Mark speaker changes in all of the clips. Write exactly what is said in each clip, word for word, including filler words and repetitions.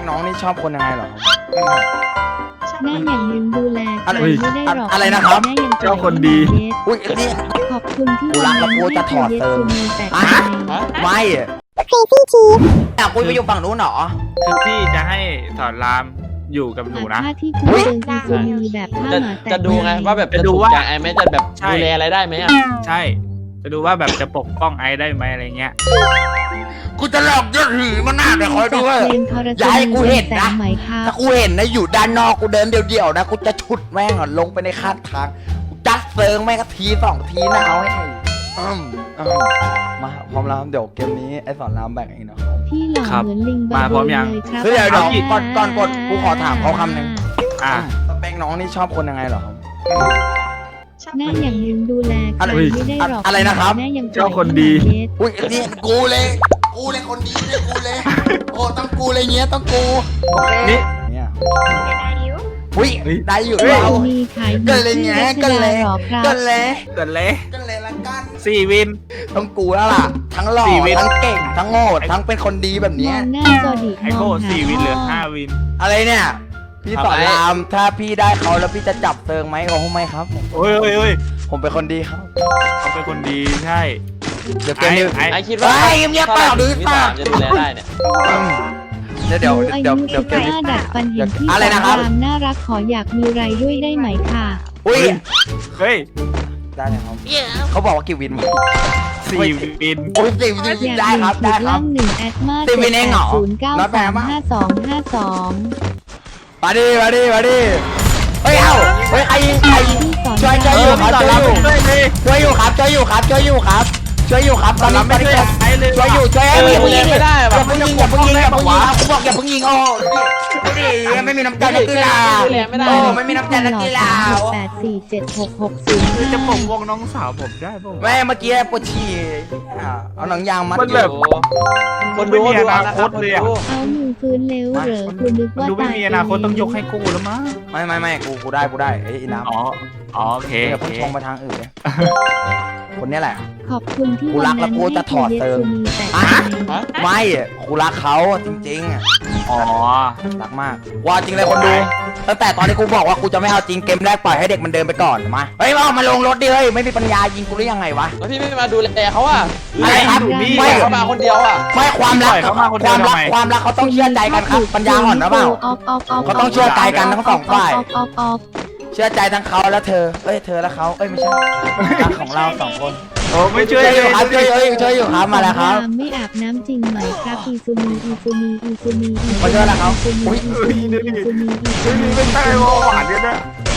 Speaker 1: น้องนี่ชอบคนยังไงเหรอ
Speaker 2: แม่อย่างยืนดูแลกันไม่ได้หรอก
Speaker 1: อะไรนะครับ
Speaker 2: แม่ยัง
Speaker 3: เจ้าคนดี
Speaker 1: อุ้ยนี่
Speaker 2: ขอบคุณที่
Speaker 1: กูรักแล้วกูจะถอดเติม
Speaker 2: แต่
Speaker 1: อ่ะ
Speaker 2: ใจ
Speaker 1: ไม่ครีซี่ชีฟอยากคุยไปอยู่ฝั่งนู้นเหรอ
Speaker 3: คือพี่จะให้สอนรามอยู่กับหนูนะ
Speaker 2: ถ้าที่คุณเจอซีซูมีแบบท่า
Speaker 4: จะ
Speaker 2: หมาแต่
Speaker 4: จะดูไงว่าแบบ
Speaker 3: จะ
Speaker 4: จะ
Speaker 3: ดู
Speaker 4: ดู
Speaker 3: ว่า
Speaker 4: ว่าไอ้แม่จะแบบ
Speaker 3: ใช่
Speaker 4: ดูแลอะไรได้ไหมอ่ะ
Speaker 3: ใช่ จะดูว่าแบบจะปกป้องไอซ์ได้ไหมอะไรเงี้ย
Speaker 1: กูจะหลอกยอดหือมันหน้าเดี๋ยวคอยดูว่า
Speaker 2: เพลงทร
Speaker 1: อย่าให้กูเห็นนะ
Speaker 2: แสงไหมครับ
Speaker 1: ถ้ากูเห็นนะอยู่ด้านนอกกูเดินเดี่ยวๆนะกูจะฉุดแม่งอ่ะลงไปในข้างทางกูจัดเซิงแม่งก็ทีสองทีนะเอาให้อืมอืมมาพร้อมแล้วเดี๋ยวเกมนี้ไอ้สอนรามแบ่งเองนะครับ
Speaker 2: พี่หล่อ
Speaker 3: ครับ
Speaker 2: เหมือนลิง
Speaker 3: มาพร้อมยัง
Speaker 2: เลยครับ
Speaker 1: เฮ้ยเดี๋ยวเดี๋ยวก่อนก่อนกดกูขอถามเขาคำหนึ่ง
Speaker 3: อ่ะ
Speaker 1: สเปคน้องนี่ชอบคนยังไงเหรอครับ
Speaker 2: แม่อย่างยืนดูแลกันไม่ได้หรอก
Speaker 1: อะไรนะครับ
Speaker 2: แม่ยัง
Speaker 3: เจ้าคนดี
Speaker 1: อุ้ยนี่กูเลยกูเลยคนดีเลยกูเลยโอ้ต้องกูเลยเงี้ยต้องกูโอเค
Speaker 3: นี่
Speaker 1: เนี่ยอุ้ยได้อยู่
Speaker 2: พี่
Speaker 1: เรา
Speaker 2: ซูมีขาย
Speaker 1: ก็เลยไงก็เลย
Speaker 2: หรอครับ
Speaker 1: ก็เลย
Speaker 3: เกิดเลย
Speaker 1: ก็เลยละกัน
Speaker 3: สี่วิน
Speaker 1: ต้องกูแล้วล่ะทั้งหล่อ
Speaker 3: สี่วิน
Speaker 1: ทั้งเก่งทั้งโง่ทั้งเป็นคนดีแบบ
Speaker 2: ม
Speaker 1: เนี้
Speaker 2: อย งหน้าจอดิ
Speaker 3: ไอโค
Speaker 2: มองหา
Speaker 3: สี่วินเหลือ
Speaker 2: พ่
Speaker 3: ห้าวิน
Speaker 1: อะไรเนี่ยพี่สอนรามถ้าพี่ได้เขาแล้วพี่จะจับเติงไหมเขาไม่ครับ
Speaker 3: โอ้ยโอ้ยโอ้ย
Speaker 1: ผมเป็นคนดีครับ
Speaker 3: เขาเป็นคนดีใช่
Speaker 1: เดี๋ยวเกมนี้
Speaker 3: ไอ้
Speaker 4: ไอ้คิดว่า
Speaker 1: เฮ้ยเงียบๆเปล่าหรือ
Speaker 4: พี่
Speaker 1: เปล่า
Speaker 4: สามจะดูแลได้เนี่ย
Speaker 1: อืมเดี๋ยวเดี๋ยว
Speaker 2: อา
Speaker 1: เดี๋ยว
Speaker 2: ยุ
Speaker 1: เดี๋ยวเก
Speaker 2: สิ
Speaker 1: ม
Speaker 2: บ
Speaker 1: นี้
Speaker 2: ห้าดัดฟันเห็นพี่
Speaker 1: อะไรนะครับ
Speaker 2: สามน่ารักขออยากมีไรด้วยได้ไหมค่ะ
Speaker 1: อุ้ย
Speaker 3: เฮ้ย
Speaker 1: ได้เลยครับเขาบอกว่ากี่วินวะ
Speaker 3: สี่วิน
Speaker 1: โอ้ยสี่วิน
Speaker 2: อยาก
Speaker 1: ได้ครับ
Speaker 2: มี
Speaker 1: ได้
Speaker 2: จุด
Speaker 1: ครั
Speaker 2: ล่า
Speaker 1: บ
Speaker 2: งหนึ่งแอดมา
Speaker 1: สิบวินเองเหรอ
Speaker 2: ศูนย์เก้า
Speaker 1: ร้อยแปด
Speaker 2: สาม
Speaker 1: ปะ
Speaker 2: ห้าสองห้าสอง
Speaker 1: มาดิมาดิมาดิเฮ้ยเอ้าเฮ้ยใครยิงใครยิง
Speaker 2: พี่สอน
Speaker 1: ช่วยช่วยอยู่ครับช่วยอยู่ช่วยอยู่ครับช่วยอยู่ครับช่วยอยู่ครับช่วยอยู่ครับตอนนี้ตอนนี้ช่วยอยู่ช่วยไอ้อย่าเพิ่งยิงอย่าเพิ่งยิงอย่าเพิ่งยิงอย่าเพิ่งยิงครับกูบอกอย่าเพิ่งยิงโอ้ดิไม่มีน้ำใจนักกีฬาโอ้ไม่มีน้ำใจนักกีฬา
Speaker 2: แปดสี่เจ็ดหกหกศูนย์
Speaker 3: คือจะป
Speaker 2: ห้าก
Speaker 3: ป้องน้องสาวผมได้ป่ะ
Speaker 1: แม่เมื่อกี้ปวดฉี่เอาหนังยางมัด
Speaker 3: มันแบบ
Speaker 4: โอ้คนดู
Speaker 3: ไม่มี
Speaker 4: ดู
Speaker 3: อนา
Speaker 4: เอานะ
Speaker 3: ค
Speaker 4: ครับ
Speaker 3: ตเลยอะ
Speaker 4: คนดู
Speaker 2: เอามือฟื้นเร็วเหรอคุณนึก
Speaker 3: มัน
Speaker 2: ว่า
Speaker 3: ดูไม่
Speaker 2: ตาย
Speaker 3: มีอนาคตต้องยกให้กูแล้วมั้ง
Speaker 1: ไม่ไม่ไม่กูกูได้กูได้ไอ้น้ำ
Speaker 3: อ๋อ อ๋อโอเค
Speaker 1: อย่า
Speaker 3: โอ
Speaker 1: เพิ่ง
Speaker 3: เค
Speaker 1: ชงไปทางอื่นเลยคนนี้แหละ
Speaker 2: ขอบคุณที่
Speaker 1: กูรักแล้วกูจะถอดเติม
Speaker 2: แต่
Speaker 1: อ่ะ
Speaker 4: ฮะ
Speaker 1: ไม่กูรักเขาจริง
Speaker 3: อ๋อ
Speaker 1: ๆรักมากว่าจริงเลยคนดูตั้งแต่ตอนที่กูบอกว่ากูจะไม่เอาจริงเกมแรกปล่อยให้เด็กมันเดินไปก่อนมาเฮ้ยมามาลงรถดิเฮ้ยไม่มีปัญญายิงกูหรือยังไงวะ
Speaker 4: แล้วพี่ไม่มาดูแลเขาอ่ะ
Speaker 1: อะไรครับ
Speaker 3: ไม่
Speaker 1: ไม่
Speaker 4: เขามาคนเดียวอ่ะ
Speaker 1: ไม่ความรัก
Speaker 3: ปล่อยเขามาคน
Speaker 1: ค
Speaker 3: เดียว
Speaker 1: วามรัก
Speaker 3: ทำไม
Speaker 1: ความรักเขาต้องเชื่อใจกันครับปัญญาอ่อนหรือเปล่า เขาต้องเชื่อใจกันทั้งสองฝ่าย
Speaker 2: ออฟออฟออฟ
Speaker 1: เชื่อใจทั้งเขาและเธอเอ้ยเธอและเขาเอ้ยไม่ใช่รักของเราสองคน
Speaker 3: โอ้ไม่ช่
Speaker 1: ช่
Speaker 3: ว
Speaker 1: วย ยอยู่ครับช่วยอยู่ช่วยอยู่ครับมาแล้วครับ
Speaker 2: ไม่อาบน้ำจริงไหมครับอีซูมีอีซูมีอีซูมีอี
Speaker 1: มาช่วยแล้วครับ
Speaker 2: อีซูมี
Speaker 1: อุ๊ย
Speaker 2: อีซูมีอีซูมีอีซูมี
Speaker 3: ไม่ใช่ว่าหวานเนี่ยนะ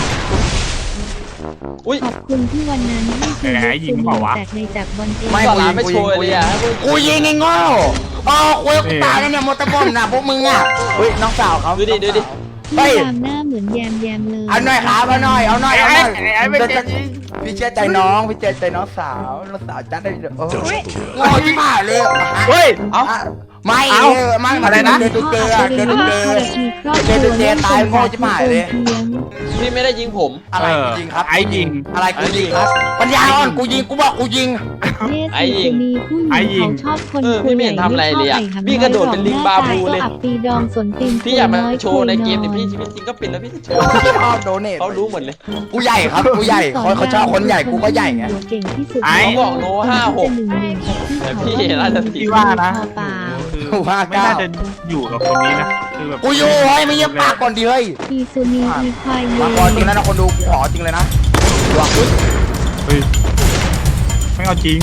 Speaker 4: อุ้ย
Speaker 2: ขอบคุณที่วันนั้นให้ที
Speaker 3: แหมยิงเปล่าวะ
Speaker 2: แตกในจากบอลเอง
Speaker 1: ไม่
Speaker 4: สอนรามไม่โชว์เลยอ่ะ
Speaker 1: กูยิงไอ้โง่อ๋อคุยกูตายแล้วเนี่ยมอเตอร์บอมนะพวกมึงอ่ะเฮ้ยน้องสาวเขา
Speaker 4: ดูดิดูดิ
Speaker 2: พี่ตามหน้าเหมือนแยมแยมเลย
Speaker 1: เอาหน่อยครับเอาหน่อยเอาหน่อยเอาหน่อย
Speaker 3: ไอ้ไอ้ไม่เจ็บจริง
Speaker 1: พี่เชื่อใจน้องพี่เชื่อใจน้องสาวน้องสาวจัดได้เด้อโอ้ยโง่ที่ผ่าเลย
Speaker 3: เฮ้ย
Speaker 1: เอาไม่
Speaker 3: เอา
Speaker 1: เออไม่อะไรนะเจอเจอเจอเจอเจอ เจอเจตายโง่ชิบหายเลย
Speaker 4: พี่ไม่ได้ยิงผม
Speaker 1: อะไรกูยิงครับ
Speaker 3: ไอ้ยิง
Speaker 1: อะไรกูยิงครับปัญญาอ่อนกูยิงกูบอกกูยิง
Speaker 2: ไอ้ยิงมีผู้หญิงเขาชอบคน
Speaker 4: เออพี่ไม่เห็นทำอะไรเลยอะพี่กระโดดเป็นลิงบาบูเลย
Speaker 2: อับปีดองสนติน
Speaker 4: พี่อยากมาโชว์ในเกมแต่พี่ชีวิตจริงก็เป็นแล้วพี่จะโชว์
Speaker 1: พี่ชอบโดเนท
Speaker 4: เขารู้หมดเลย
Speaker 1: กูใหญ่ครับกูใหญ่เขาเขาชอบคนใหญ่กูก็ใหญ่ไง
Speaker 2: เก่งที่สุด
Speaker 4: เขาบอกโนห้าหก
Speaker 2: หนึ่งหนึ่งกับพี่
Speaker 4: แต่พี่น่าจะ
Speaker 3: พี่ว่านะ
Speaker 2: เปล่า
Speaker 3: คือไม่น่าจะอยู่กับคนนี้นะคือแบบ
Speaker 1: กูอยู่เฮ้ยไม่เยี่ยมปากก่อนดิเฮ้ย
Speaker 2: อีซูนีอีควาย
Speaker 1: มาก่อนจริงแล้วนะคนดูกูขอจริงเลยนะวางปึ๊บ
Speaker 3: เฮ้ยไม่เอาจริง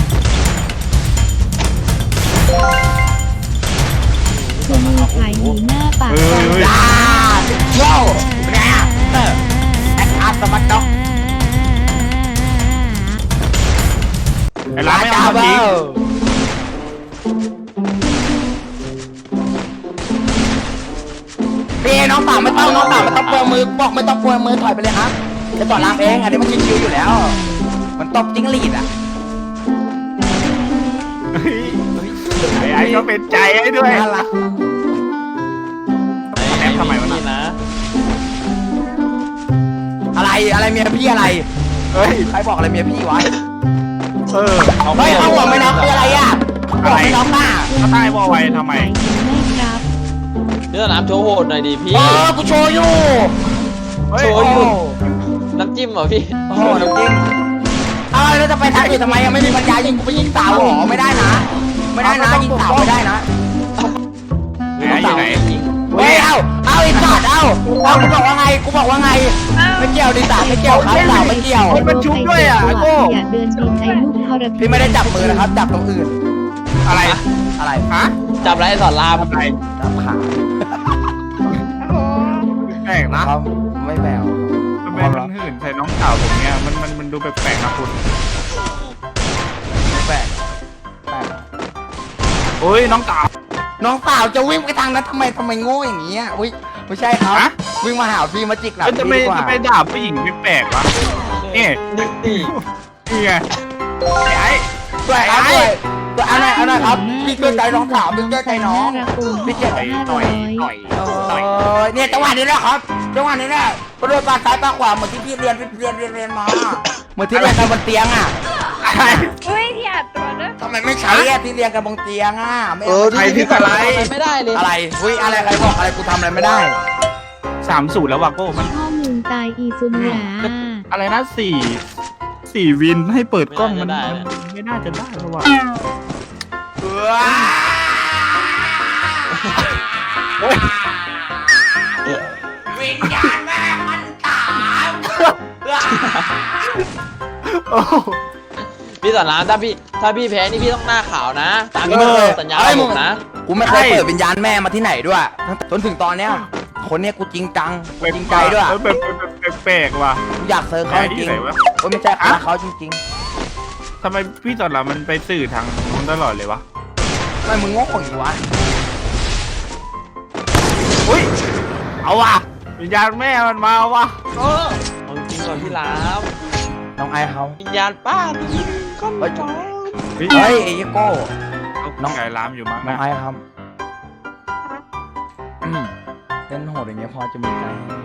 Speaker 2: ซูนีขายหนีหน้าปาก
Speaker 3: เฮ้ยเฮ้ย
Speaker 1: จ้าโย่เนี่ยเตอร์แอคอาร์สมัตด็อก
Speaker 3: ไอ้ร้านไม่เอาจริง
Speaker 1: พี่น้องสาวไม่ต้องน้องสาวไม่ต้องเปลืองมือบอกไม่ต้องเปลืองมือถอยไปเลยครับจะต่อรามเองอันนี้มันชิวๆอยู่แล้ว มันตบจิ้งหรีดอ่ะ
Speaker 3: ไอ้ไอ้ก็เป็นใจให้ด้วย
Speaker 1: น่ารัก
Speaker 3: แอปทำไมวะน่ะ
Speaker 4: นี่นะ
Speaker 1: อะไรอะไรเมียพี่อะไร
Speaker 3: เฮ้ย
Speaker 1: ใครบอกอะไรเมียพี่วะ
Speaker 3: เออ
Speaker 1: เฮ้ยเอาหัวไม่น็อกคืออะไรอ่ะหัวไม่น็อกหน้า
Speaker 3: เขาใต้วอลไว้ทำไม
Speaker 2: ขายหนีไม่ครับ
Speaker 4: พี่สนามโชว์โหดหน่อยดิพี่
Speaker 1: เออกูโชว์อยู่
Speaker 3: เฮ้ย
Speaker 4: โชว์อยู่น้ำจิ้มเหรอพี่
Speaker 1: โอ้โหน้ำจิ้มเอาแล้วจะไปทางอื่นทำไมยังไม่มีปัญญายิงกูไปยิงสาวหรอไม่ได้นะ ไม่ได้นะยิงสาวไม่ได้นะ
Speaker 3: ไหนอยู่ไหน
Speaker 1: เฮ้ยเอาเอาไอ้สัตว์เอาเอากูบอกว่าไงกูบอกว่าไงไม่เกี่ยวดิสาไม่เกี่ยวครับสาวไม่เกี่ยว
Speaker 3: มันชุบด้วยอ่ะโก้
Speaker 2: อย่าเดินบินไอ้ลูกทรพี
Speaker 1: พี่ไม่ได้จับมือนะครับจับตรงอื่น
Speaker 3: อะไร
Speaker 1: อะไร
Speaker 3: ฮะ
Speaker 4: จับไรสอนราม
Speaker 3: อะไร
Speaker 1: จับขา
Speaker 3: แปลกนะ
Speaker 1: ครับไม่แบว
Speaker 3: ทำไมมันหื่นใส่น้องสาวผมเนี่ยมันมันมันดูแปลกๆนะคุณ
Speaker 1: ไม่แบกแบก
Speaker 3: โอ้ยน้องสาว
Speaker 1: น้องสาวจะวิ่งไปทางนั้นทำไมทำไมโง่อย่างนี้อ่ะอุ้ยไม่ใช่ครับ
Speaker 3: ฮะ
Speaker 1: วิ่งมาหาพี่มาจิกหลัง
Speaker 3: เอ้ย
Speaker 1: พี่
Speaker 3: จะไป
Speaker 1: ดีกว่า
Speaker 3: จะไปด่าผู้หญิงไม่แปลกวะนี่
Speaker 4: นี่นี่
Speaker 3: นี่ไงไอ้
Speaker 1: ช่วยครับช่วยช่วยเอาหน่อยเอาหน่อยครับพี่ช่วยใจน้องสาวพี่ช่วยใจน้อง
Speaker 2: น่ารักโอน
Speaker 1: พี่เจ็บ
Speaker 2: ห้า
Speaker 3: ต่
Speaker 2: ร้
Speaker 3: อ
Speaker 2: อย ย
Speaker 3: ต่อย
Speaker 1: เอ
Speaker 3: ต่อย
Speaker 1: อเนี่ยจังหวะนี้แหละครับจังหวะนี้แหละกระโดดปาซ้ายปาขวาเหมือนที่พี่เรียนเรียนเรียนเรียนมาเหมือนที่เรียนกันบนเตียงอ่ะ
Speaker 3: อะไร
Speaker 5: เฮ้ยที่อัดตัวนะ
Speaker 1: ทำไมไม่ใช้อะที่เรียนกันบนเตียงอ่ะไม่
Speaker 4: เอ
Speaker 1: เอา
Speaker 4: อพี่พี่ทำอะไรไม่ได้เลย
Speaker 1: อะไรอุ้ยอะไรใครบอกอะไรกูทำอะไรไม่ได้
Speaker 3: สามสูตรแล้วว่ะโก้มัน
Speaker 2: พ่อมึงตายอีซุนหลา
Speaker 3: อะไรนะสี่สี่วินให้เปิดกล้องมันมันไม่น่าจะได้เพราะว่า
Speaker 1: วิญญาณแม่มันตาม
Speaker 3: โอ้
Speaker 4: พี่สอนรามถ้าพี่ถ้าพี่แพ้นี่พี่ต้องหน้าขาวนะ ตามที่พี่สัญญาผมนะ
Speaker 1: กูไม่เคยเปิดวิญญาณแม่มาที่ไหนด้วยจนถึงตอนเนี้ยคนเนี้ยกูจริงจังจริงใจด้วย
Speaker 3: แบบแบบแปลกๆว่ะ
Speaker 1: กูอยากเซิร์ฟเขาจริง
Speaker 3: ไหนวะ
Speaker 1: โอ้ยไม่ใช่เขาเขาจริง
Speaker 3: ทำไมพี่สอนรามมันไปสื่อทางนู้นตลอดเลยวะ
Speaker 1: ๆทำไมมึงโง่อย่างนี้วะ
Speaker 3: อุ้ยเอาว่ะวิญญาณแม่มันมาว่ะ
Speaker 4: เออเอาจริงก่อนพี่ราม
Speaker 1: น้องไอเขา
Speaker 4: วิญญาณป้าพี่ก้อนจอน
Speaker 3: เฮ้ย
Speaker 1: เฮ้ยไอ้ยี่โก้
Speaker 3: น้องไก่ลามอยู่มั้ง
Speaker 1: น้อง
Speaker 3: นะ
Speaker 1: ไอครับอืมเล่นโหดอย่างเงี้ยพอจะมีใจให้ไหม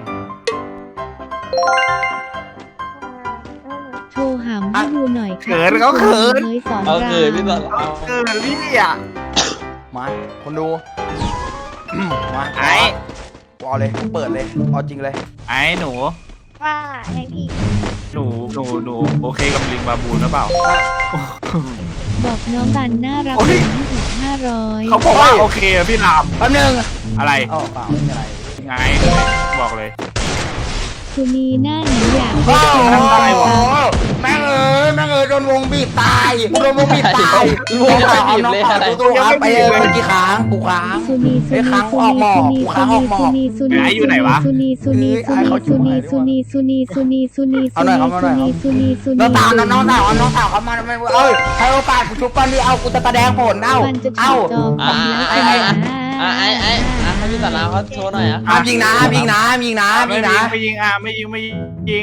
Speaker 2: โชว์หำให้ดูหน่อย
Speaker 3: เขินเขาเขิน
Speaker 2: เฮ้ยสอน
Speaker 4: เอา
Speaker 2: รา
Speaker 4: เกิดพี่สอนราม
Speaker 3: เกิดพี่อ่ะ
Speaker 1: มาคนดูอืมมา
Speaker 3: ไอ้
Speaker 1: กูเอาเลยกูเปิดเลยเอาจริงเลย
Speaker 3: ไอ้หนู
Speaker 5: ว่าไงพี่
Speaker 3: หนูหนูหนูโอเคกับลิงบาบูนหรือเปล่า
Speaker 2: บอกน้องบันน่ารัก
Speaker 3: โอ้ย
Speaker 2: ให้อีกห้าร้อย
Speaker 3: เขาบอกว่าโอเคอะพี่ราม
Speaker 1: แป๊บนึง
Speaker 3: อะไร
Speaker 1: เอ๋อเปล่าไม่มีอะไร
Speaker 3: ไงบอกเลย
Speaker 2: สุนีหน้าหนูอยาก
Speaker 1: โอ้
Speaker 2: ให้
Speaker 1: โห
Speaker 2: เจอ
Speaker 3: ได้วะ
Speaker 1: แม่งเอ้ยแม่งเอ้ยโดนวงบีบตายโดนวงบีบตาย
Speaker 4: รวมจะไปบีบเลยอะไร
Speaker 1: ตัวครับไปเลยเมื่อกี้ค้างกูค้าง
Speaker 2: สุนีสุ
Speaker 1: ไอ้
Speaker 2: นี
Speaker 1: ค้าง
Speaker 2: สุ
Speaker 1: ออกหม
Speaker 2: นี
Speaker 1: อก
Speaker 2: สุนี
Speaker 1: กูค้างออกหมอก
Speaker 2: สุนีสุนี
Speaker 3: ไอ้อยู่ไหนวะ
Speaker 2: สุนีสุนีสุนีสุนีสุนีสุนีสุนีสุนี
Speaker 1: เอาหน่อยครับเอาหน่อยครับ
Speaker 2: สุนีสุนี
Speaker 1: น้องสาวน้องสาวน้องสาวเขามาไม่เอ้ยให้โอกาสกูชุบกันดิเอากูจะแสดงผลเอ้า
Speaker 2: มันจะ
Speaker 1: เอ้า
Speaker 2: จอ
Speaker 4: อ่าไอ้ไอ้อ่าไอ้ไอ้อ่ะให้พี่สอนรามเขาโชว์หน่อยอ่ะ
Speaker 1: ห้ามยิงนะห้ามยิงนะห้ามยิงนะห้าม
Speaker 3: ไม่
Speaker 1: ยิง
Speaker 3: ยิ
Speaker 1: นะ
Speaker 3: งไม่ยิงอ่ะไม่ยิงไม่ยิง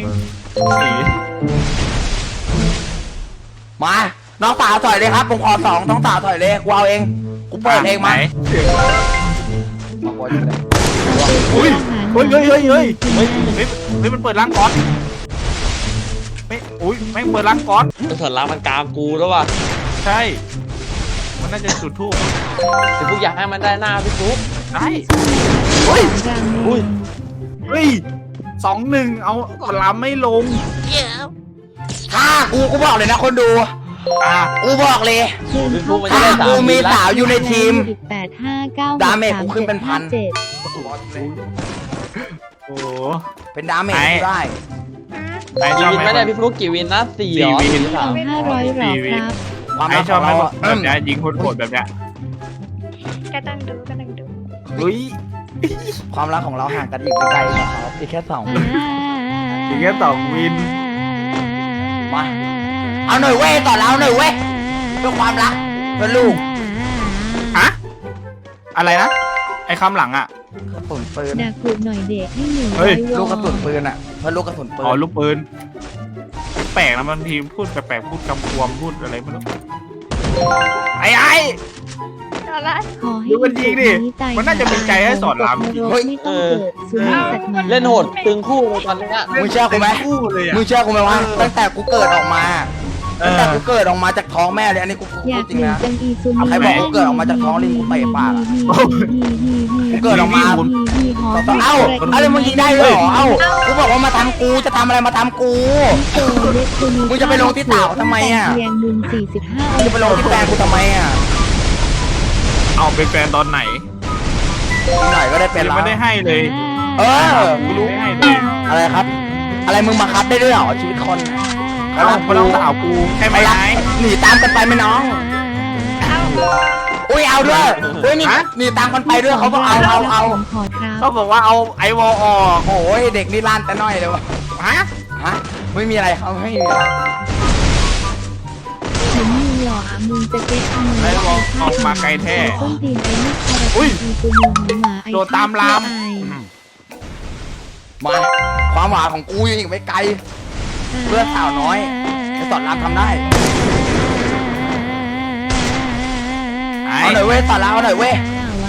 Speaker 1: มา น้องสาวถอยเลยครับผมขอสองน้องสาวถอยเลยกูเอาเองกูเปิดเองมา
Speaker 3: ไหน
Speaker 1: มาโวยเลย
Speaker 3: อุ้ยเฮ้ยเฮ้ยเฮ้ยเฮ้ยเฮ้ยเฮ้ยเฮ้ยมันเปิดร้านก๊อตไม่อุ้ยไม่งเปิดร้านก๊อต
Speaker 4: พี่สอนรามมันกามกูแล้วว่ะ
Speaker 3: ใช่ มันน่าจะจุดทูบ
Speaker 4: พี่ฟุกอยากให้มันได้หน้าพี่ฟุก
Speaker 3: ได้
Speaker 2: เฮ้ย
Speaker 4: อุ้ย
Speaker 3: เฮ้ยสองหนึ่งเอาก่อนลำไม่ลง
Speaker 1: ถ้ากูกูบอกเลยนะคนดู
Speaker 3: อ่ะ
Speaker 1: กูบอกเลย
Speaker 4: พี่ฟุกมันจะได้สาม
Speaker 1: กูมี
Speaker 4: ทีละ
Speaker 1: สาวอยู่ในทีม
Speaker 2: แปดห้าเก้า
Speaker 1: ดาเมจกูขึ้นเป็นพัน
Speaker 2: เจ็ด
Speaker 3: โอ้โห
Speaker 1: เป็นดาเมจ
Speaker 3: ไอ้
Speaker 1: กูได้
Speaker 3: ไอช
Speaker 4: กี่
Speaker 3: อบ
Speaker 4: วิน
Speaker 3: ไหม
Speaker 4: ไม่ได้พี่ฟุกกี่วินนะสี่เหรอ
Speaker 3: สี่วิน
Speaker 4: สี่สาม
Speaker 2: เอาห้าร้อยหรอครับ
Speaker 1: ความ
Speaker 3: ไอ
Speaker 1: รัก
Speaker 3: ช
Speaker 1: ข
Speaker 3: อ
Speaker 1: อบ ง
Speaker 3: ไหม
Speaker 1: เรา
Speaker 3: แบ
Speaker 1: อะ
Speaker 3: บเนี้ยยิงโคตรๆแบบเนี้ย
Speaker 5: กำลังดูกำลังดู
Speaker 3: อุ้ย
Speaker 1: ความรักของเราห่างกันอีกไกลๆนะครับอีกแค่สองวิ
Speaker 3: อีกแค่สองวิน
Speaker 1: มา เอาหน่อยเว้ยต่อแล้วหน่อยเว้ยเพื่อความรักเพื่อลูก
Speaker 3: ฮะอะไรนะไอคำหลังอ่ะ
Speaker 1: กระสุนปืน
Speaker 2: ด่ากูหน่อยเด็กให้หนึ่ง
Speaker 3: เฮ้
Speaker 2: ร้
Speaker 3: ย
Speaker 2: อยวอ
Speaker 1: ลูกกระสุนปืนอ่ะเพื่อลูกกระสุนปืน
Speaker 3: อ๋อลูกปืนแปลกนะบางทีพูดแปลกๆพูดกำกวมพูดอะไรไม่รู้ไอ้ไอ้
Speaker 5: เอาละ
Speaker 2: ขอให้
Speaker 3: ดูมันยิงดิ
Speaker 2: ตาย
Speaker 3: มันน่าจะมีใจให้สอนรามจริง
Speaker 2: เฮ้ยไม่ต้องเกิดสุนัขสัตว์หมา
Speaker 4: เล่นโหดตึงคู่เลยตอนเนี้ย
Speaker 1: มึงเชื่อกูไหม
Speaker 3: คู่เลยอ่ะ
Speaker 1: มึงเชื่อกูไหมว่าตั้งแต่กูเกิดออกมา
Speaker 3: เเอ
Speaker 1: แต่
Speaker 3: อ
Speaker 1: กูเกิดออกมาจากท้องแม่เลยอันนี้กูพู
Speaker 2: อยา
Speaker 1: ด
Speaker 2: ก
Speaker 1: จริง
Speaker 2: หนึ่ง
Speaker 1: นะ
Speaker 2: จังอีซู
Speaker 1: เอาใครบอกว่าเกิดออกมาจากท้องลิงกูเตะปากอะ กูเกิดออกมา เอ้าเอ้าแล้วมึงยิงได้ด้วยเหรอเอ้ากูบอกว่ามาทำกูจะทำอะไรมาทำกู มึงจะไปลงที่เต่าทำไมอะ
Speaker 2: เพียงหนึ่งสี่สิบห้า
Speaker 1: มึงจะไปลงที่แฟนกูทำไมอ่ะ
Speaker 3: เอาเป็นแฟนตอนไหน
Speaker 1: อีกหน่อยก็ได้เป็น
Speaker 3: ยัง
Speaker 1: แล้ว
Speaker 3: ไม่ได้ให้เลย
Speaker 1: เออ
Speaker 3: กูรู้ให้เลย
Speaker 1: อะไรครับ อะไรมึงมาคับได้ด้วยเหรอชีวิตคน
Speaker 3: แล้วมาต้องสาวกูใช่ไหม
Speaker 1: ไม่รัก
Speaker 3: ไอ้
Speaker 1: หนีตามกันไปไหมน้อง
Speaker 5: เอา
Speaker 1: อุ้ยเอาด้วยอุ้ยนี่หนีตามกันไปด้วยเขาบอกเอาเอาเอา
Speaker 2: ขอครับ
Speaker 3: เขาบอกว่าเอาไอวอลออก
Speaker 1: โอ้ยเด็กนี่ล้านแต่น้อยเลยวะ
Speaker 3: ฮะ
Speaker 1: ฮะไม่มีอะไรเขาไม่มีอะไร
Speaker 2: เห็นมึงหล่ออ่ะมึงจะเก็ตเอา
Speaker 3: ไอวอลออกมาไกลแท้
Speaker 2: ต้นตีนไอ้ลูกคารา
Speaker 3: อุ้ย
Speaker 2: ตีตัวหมูหมาไอ้
Speaker 3: โดดตามลาม
Speaker 1: มาความหวานของกูยังอีกไม่ไกล เพื่อนสาวน้อยไอ้สอนรามทำได้
Speaker 3: ไอ้
Speaker 1: เอาหน่อยเว้ยสอนรามเอาหน่อยเว้ย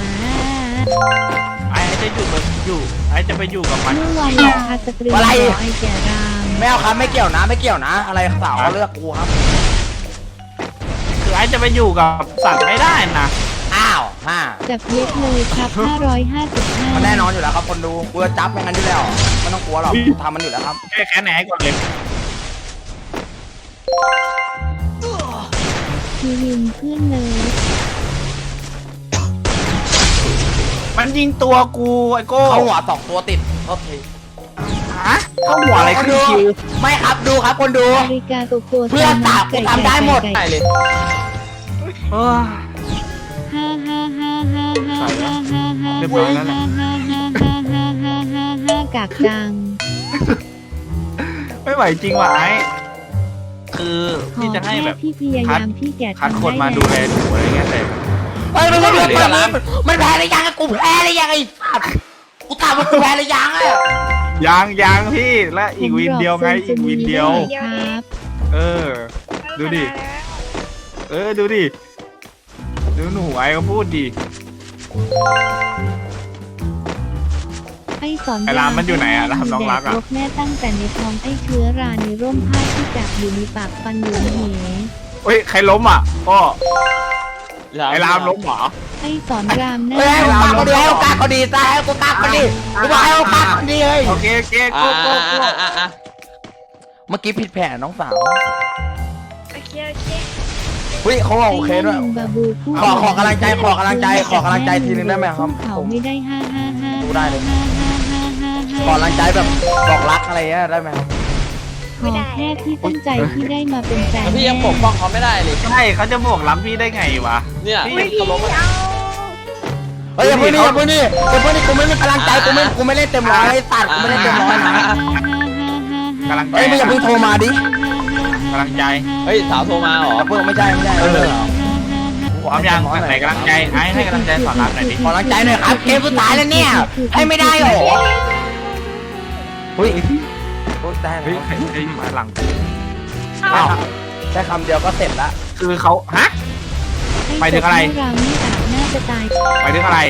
Speaker 3: ไอ้จะอยู่กับอยู่ไอ้จะไปอยู่กับมัน
Speaker 2: เมื่อวานราคาสตรีม
Speaker 1: อะไร
Speaker 2: ไอ้แก่ราม
Speaker 1: ไม่เอาครับไม่เกี่ยวนะไม่เกี่ยวนะ อะไรสาวเขาเลือกกูครับ
Speaker 3: คือไอ้จะไปอยู่กับสัตว์ไม่ได้นะ
Speaker 1: อ้าวฮ่า
Speaker 2: จากเย็บเลยครับห้าร้อยห้าสิบห้า
Speaker 1: มันแน่นอนอยู่แล้วครับคนดูกูจะจับอย่างนั้นอยู่แล้วไม่ต้องกลัวหรอกกูทำมันอยู่แล้วครับ
Speaker 3: แค่แค่ไหนก่อนเลย
Speaker 2: ทีวินเพื่อนเลย
Speaker 3: มันยิงตัวกูไอ้โก้
Speaker 1: เข้าหัวสองตัวติดโทษที
Speaker 3: ฮะเข้าหัวอะไรขึ้นคิว
Speaker 1: ไม่ครับดูครับคนดู
Speaker 2: นาฬิกาตัวตัว
Speaker 1: เพื่อนสาวกูทำได้หมด
Speaker 4: ได้เลย
Speaker 3: เออ
Speaker 2: ห้าห้าห้าห้าห้าห้าห้าห้า
Speaker 3: เรียบร้อยแล้วแหละ
Speaker 2: ห้าห้าห้าห้าห้าห้าห้ากากจัง
Speaker 3: ไม่ไหวจริงว่ะไอ้คือ
Speaker 2: ขอ
Speaker 3: พี่จะให้
Speaker 2: แค่
Speaker 3: แบบ
Speaker 2: พี่พยายามพี่แก่
Speaker 3: คัด
Speaker 2: ทำ
Speaker 3: คน
Speaker 2: ได้
Speaker 3: มาดูแลหนูอะไรเงี้ยแต่
Speaker 1: เฮ้ยมันไม่เรื่องแบบนี้มันแพ้หรือยังอะกูแพ้หรือยังไอ้สัตว์กูถามว่ากูแพ้หรือยังอะ
Speaker 3: ยังยังพี่และอีกวินเดียวไงอีกวินเดียว
Speaker 2: ครับ
Speaker 3: เออ ดูดิ เออดูดิดูหนูไอ้ก็พูดดิ
Speaker 2: ไอ้สอน
Speaker 3: ไอ้รามมันอยู่ไหนอะรามน้องรักอะ
Speaker 2: แดแม่ตั้งแต่ในท้องไอ้เชื้อราในร่มผ้าที่จับอยู่ในปากฟันเหลืองเห
Speaker 3: เฮ้ยใครล้มอ่ะก็ไอ้รามล้มเหรอ
Speaker 2: ไอ้สอนรามหน้า
Speaker 1: เฮ้ยให้โอกาสเขาดีให้โอกาสเขาดีซะให้โอกาสเขาดีกูบอกให้โอกาสเขาดีเฮ้ย
Speaker 3: โอเคโอเค
Speaker 4: อ่า
Speaker 3: โก้โก้
Speaker 4: อ่า
Speaker 3: โก้
Speaker 4: อ่าอ่า
Speaker 1: เมื่อกี้ผิดแผนน้องสาว
Speaker 5: โอเคโอเค
Speaker 1: เฮ้ยเขาบอกโอเคด้วย
Speaker 2: ไอ้บาบูผู้
Speaker 1: ขอขอกำลังใจขอกำลังใจขอกำลังใจทีนึงได้ไหมครับ
Speaker 2: เขาไม่ได้ห้าห้าห้า
Speaker 1: ดูได้เลย
Speaker 2: ห้าห้าห้าห้าห้า
Speaker 1: ขอกำลังใจแบบบอกรักอะไรเงี้ยได้ไหมครับ
Speaker 2: ขอแค่พี่ตั้งใจที่ได้มาเป็นแฟน
Speaker 4: แล้วพี่ยังปกป้องเขาไม่ได้เลย
Speaker 3: ใช่เขาจะบอกล้ำพี่ได้ไงวะ
Speaker 4: เนี่ย
Speaker 5: อุ้ย
Speaker 4: เขา
Speaker 5: พี่
Speaker 4: ล้มมา
Speaker 5: เอา
Speaker 1: เฮ้ยอย่าพูดนี่อย่าพูดนี่อย่าพูดนี่กูไม่มีกำลังใจกูไม่กูไม่เล่นเต็มร้อยไอ้สัตว์กูไม่เล่นเต็มร้อยนะ
Speaker 3: กำลังใจ
Speaker 1: เฮ้ยมึงอย่าเพิ่งโทรมาดิ
Speaker 3: กำลังใจ
Speaker 4: เฮ้ยสาวโทรมาเหรอ
Speaker 1: อย่าเพิ่งไม่ใช่ไม่ใช่เออ
Speaker 3: พร้อมยังไหนกำลังใจไอ้ให้กำลังใจสอนรามหน่อยดิ
Speaker 1: ขอกำลังใจหน่อยครับเกมสุดท้ายแล้วเนี่ยให้ไม่ได้เหรอเฮ้ยโอ้ยได้
Speaker 3: เฮ้ย
Speaker 1: แล้ว
Speaker 3: ใครใครมาหลังกู
Speaker 1: อ้าวแค่คำเดียวก็เสร็จละ
Speaker 3: คือเขาฮะ ไปถึงอะไร
Speaker 2: รามนี่อาจน่าจะตาย
Speaker 3: ไปถึงอะไร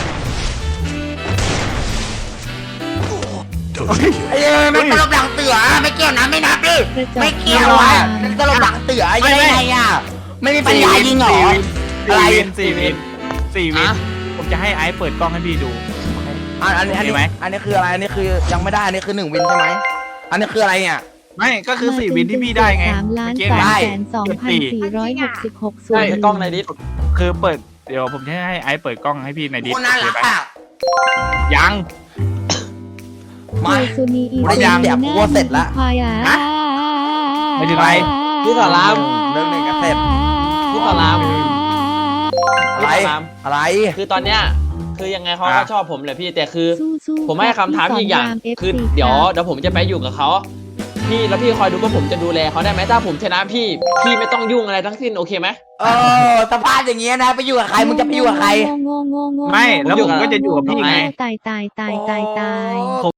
Speaker 1: ไอ้เอ้ยไม่ตลบหลังเตือไม่เกี่ยวนะไม่นับดิ
Speaker 2: กระจอก
Speaker 1: ไม่เกี่ยวอ่ะตลบหลังเตือยังไงอ่ะไม่มีปัญญายิงเหรอ
Speaker 3: สี่
Speaker 1: อะไร
Speaker 3: วินสี่วินสี่วินผมจะให้ไอ้เปิดกล้องให้พี่ดู
Speaker 1: อันอันนี้อัน
Speaker 3: มี
Speaker 1: นี้
Speaker 3: ไหม
Speaker 1: อันนี้คืออะไรอันนี้คือยังไม่ได้อันนี้คือหนึ่งวินใช่ไหมอันนี้คืออะไรเนี่ย
Speaker 3: ไม่ก็คือสี่วินที่พี่ได้ไง
Speaker 2: สามล้าน
Speaker 3: เมื่อกี้
Speaker 2: สาม
Speaker 3: ไง
Speaker 2: แสนสองพันสี่ร้อยหกสิบหกส่ว
Speaker 4: ใช่
Speaker 2: น
Speaker 4: กล้องในดิส
Speaker 3: คือเปิดเดี๋ยวผมจะให้ไอ้เปิดกล้องให้พี่ในดิส
Speaker 1: โคตรน่ารักอ่ะ
Speaker 3: ยัง
Speaker 1: มา
Speaker 2: ซูนีอี
Speaker 1: กูได้ยินเสียงกูว่าเสร็จละ
Speaker 2: ควายอ่ะ
Speaker 3: ฮะไม่ถึงไร
Speaker 4: พี่สอนราม
Speaker 1: เรื่องหนึ่งก็เสร็จ
Speaker 4: พี่สอนราม
Speaker 1: อะไร
Speaker 4: พี่สอนราม
Speaker 1: อะไร
Speaker 4: คือตอนเนี้ยคือยังไงเขาก็
Speaker 3: อ่ะ
Speaker 4: ชอบผมแหละพี่แต่คือ
Speaker 2: สู้ๆ
Speaker 4: ผมให้คำถามอีกอย่าง
Speaker 2: พี่สนร
Speaker 4: คือ
Speaker 2: เอฟซี
Speaker 4: เดี๋ยว
Speaker 2: ครับ
Speaker 4: เดี๋ยวผมจะไปอยู่กับเขาพี่แล้วพี่คอยดูว่าผมจะดูแลเขาได้ไหมถ้าผมชนะพี่พี่ไม่ต้องยุ่งอะไรทั้งสิ้นโอเคไหม
Speaker 1: เออสภาพอย่างเงี้ยนะไปอยู่กับใครมึงจะไปอยู่กับใคร
Speaker 2: โง่โง่โง่โง่
Speaker 3: ไม่แล้วผมก็จะอยู่กับพี่ไง
Speaker 2: ตายตายตายตายตาย
Speaker 1: โอ้